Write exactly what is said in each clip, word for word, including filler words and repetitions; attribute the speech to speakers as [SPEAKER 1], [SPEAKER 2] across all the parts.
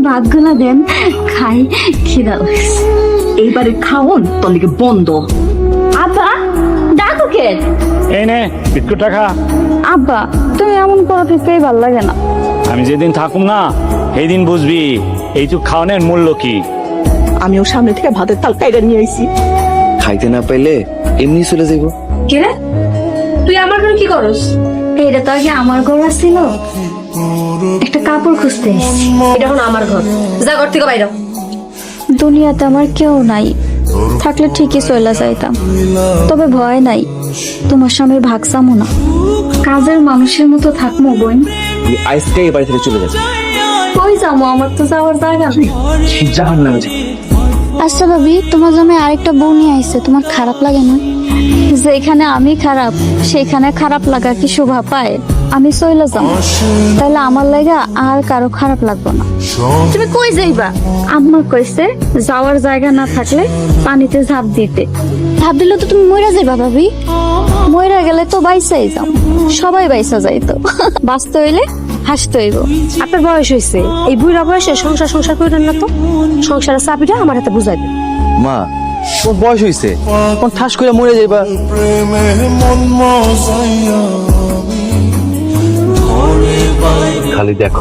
[SPEAKER 1] ভাতগুলা দেন খাই, খিদা লাগছে।
[SPEAKER 2] এইবারে খাওন তোর লিগে বন্ধ।
[SPEAKER 1] আব্বা ডাকো কে?
[SPEAKER 3] এই নে বিস্কুট টাকা।
[SPEAKER 1] আব্বা তুমি এমন করা থেকেই ভাল লাগে না।
[SPEAKER 3] আমি যেদিন থাকুম না সেই দিন বুঝবি এইটুক খাওয়ানোর মূল্য কি।
[SPEAKER 2] আমিও সামনে থেকে ভাতের তাল কাইরা নিয়ে আইছি।
[SPEAKER 4] খাইতে না পাইলে এমনি চলে যাইব।
[SPEAKER 5] কে রে তুই আমার ঘরে কি করস?
[SPEAKER 1] এইটা তো আগে আমার ঘর ছিল, একটা কাপড় খুঁজতে এসেছি।
[SPEAKER 5] এটা এখন আমার ঘর, যা ঘর থেকে বাইরে।
[SPEAKER 1] দুনিয়াতে আমার কেউ নাই, থাকলে ঠিকই চলে যাইতাম। তবে ভয় নাই, তোমার স্বামীর ভাগ চামো না, কাজের মানুষের মতো থাকবো বোন।
[SPEAKER 4] আমি আজকে এই বাড়ি থেকে চলে যাচ্ছি।
[SPEAKER 1] কই যাবো? আমার তো যাওয়ার জায়গা নেই।
[SPEAKER 4] জাহান নামে।
[SPEAKER 1] আচ্ছা ভাবি, তোমার জন্য আরেকটা বউ নিয়ে আইছে, তোমার খারাপ লাগে না? যেখানে আমি খারাপ সেখানে খারাপ লাগা কি শোভা পায়? আমি চলে যাবো, তাহলে আমার লাগা আর কারো খারাপ লাগবে না। তুমি কই যাইবা? আম্মা কইছে যাওয়ার জায়গা না থাকলে পানিতে ঝাঁপ দিতে। ঝাঁপ দিলে তো তুমি মইরা যাইবা ভাবি। মইরা গেলে তো বাইসাই যাও, সবাই বাইসা যাইতো। বাঁচতে হইলে হাসতে হইব।
[SPEAKER 5] আপনার বয়স হয়েছে, এই বুড়া বয়সে সংসার সংসার করেন না তো। সংসারের চাবিটা আমার হাতে বুঝাই দেন।
[SPEAKER 4] মা তোর বয়স হইছে, কোন ঠাস করে মরে যাইবা। খালি দেখো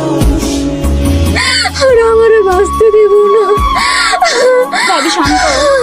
[SPEAKER 1] আর আমারে বাঁচতে দিব না। শান্ত